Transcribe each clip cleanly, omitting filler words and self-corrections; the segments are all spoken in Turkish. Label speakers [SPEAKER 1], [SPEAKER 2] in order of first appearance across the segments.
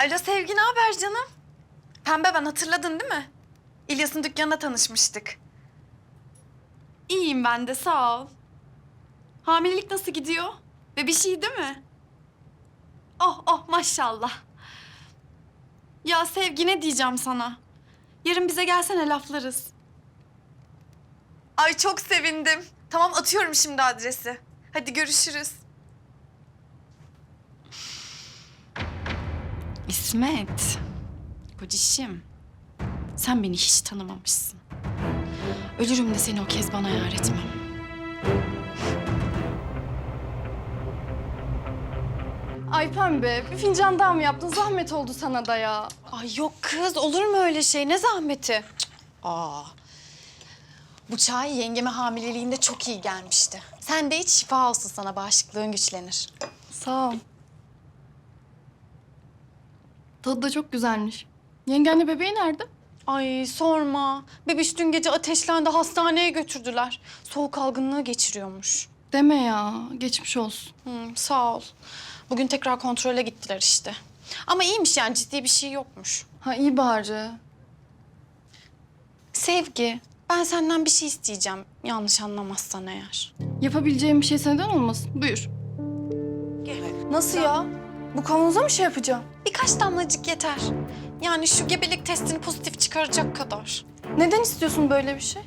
[SPEAKER 1] Alo Sevgi, ne haber canım? Pembe ben, hatırladın değil mi? İlyas'ın dükkanında tanışmıştık. İyiyim ben de, sağ ol. Hamilelik nasıl gidiyor? Ve bir şey değil mi? Oh oh maşallah. Ya Sevgi, ne diyeceğim sana? Yarın bize gelsene, laflarız. Ay çok sevindim. Tamam, atıyorum şimdi adresi. Hadi görüşürüz. İsmet, kocişim. Sen beni hiç tanımamışsın. Ölürüm de seni o Kezban'a yar etmem.
[SPEAKER 2] Ay Pembe, bir fincan daha mı yaptın? Zahmet oldu sana da ya.
[SPEAKER 1] Ay yok kız, olur mu öyle şey? Ne zahmeti? Aa. Bu çay yengeme hamileliğinde çok iyi gelmişti. Sen de iç, şifa olsun sana, bağışıklığın güçlenir.
[SPEAKER 2] Sağ ol. Tadı da çok güzelmiş. Yengenle bebeği nerede?
[SPEAKER 1] Ay sorma. Bebiş dün gece ateşlendi, hastaneye götürdüler. Soğuk algınlığı geçiriyormuş.
[SPEAKER 2] Deme ya, geçmiş olsun.
[SPEAKER 1] Sağ ol. Bugün tekrar kontrole gittiler işte. Ama iyiymiş yani, ciddi bir şey yokmuş.
[SPEAKER 2] Ha iyi bari.
[SPEAKER 1] Sevgi, ben senden bir şey isteyeceğim. Yanlış anlamazsan eğer.
[SPEAKER 2] Yapabileceğim bir şey senden olmasın. Buyur. Nasıl ya? Bu kavanoza mı şey yapacağım?
[SPEAKER 1] Birkaç damlacık yeter. Yani şu gebelik testini pozitif çıkaracak kadar.
[SPEAKER 2] Neden istiyorsun böyle bir şey?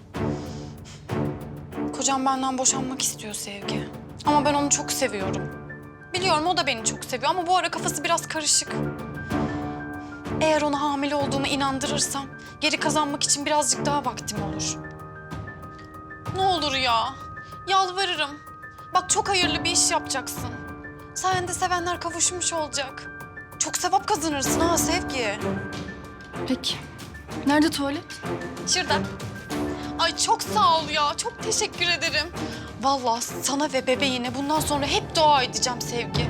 [SPEAKER 1] Kocam benden boşanmak istiyor Sevgi. Ama ben onu çok seviyorum. Biliyorum o da beni çok seviyor ama bu ara kafası biraz karışık. Eğer ona hamile olduğumu inandırırsam geri kazanmak için birazcık daha vaktim olur. Ne olur ya. Yalvarırım. Bak çok hayırlı bir iş yapacaksın. Sayende sevenler kavuşmuş olacak. Çok sevap kazanırsın ha Sevgi.
[SPEAKER 2] Peki. Nerede tuvalet?
[SPEAKER 1] Şurada. Ay çok sağ ol ya. Çok teşekkür ederim. Vallahi sana ve bebeğine bundan sonra hep dua edeceğim Sevgi.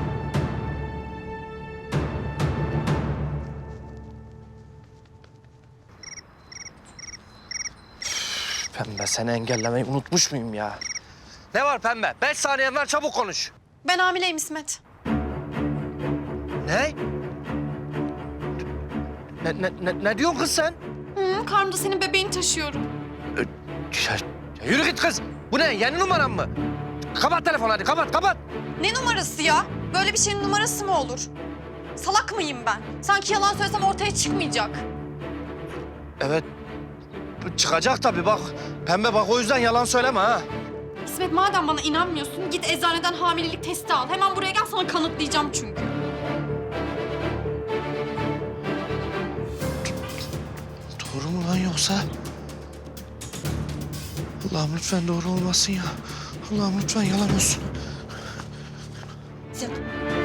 [SPEAKER 3] Pembe, seni engellemeyi unutmuş muyum ya? Ne var Pembe? 5 saniyen var, çabuk konuş.
[SPEAKER 1] Ben hamileyim İsmet.
[SPEAKER 3] Ne? Ne diyorsun kız sen?
[SPEAKER 1] Karnımda senin bebeğini taşıyorum.
[SPEAKER 3] Ya yürü git kız. Bu ne? Yeni numaran mı? Kapat telefonu hadi, kapat.
[SPEAKER 1] Ne numarası ya? Böyle bir şeyin numarası mı olur? Salak mıyım ben? Sanki yalan söylesem ortaya çıkmayacak.
[SPEAKER 3] Evet, çıkacak tabii bak. Pembe bak, o yüzden yalan söyleme ha.
[SPEAKER 1] İsmet, madem bana inanmıyorsun git eczaneden hamilelik testi al. Hemen buraya gel, sana kanıtlayacağım çünkü.
[SPEAKER 3] Doğru mu lan yoksa? Allah'ım lütfen doğru olmasın ya. Allah'ım lütfen yalan olsun.
[SPEAKER 1] İsmet.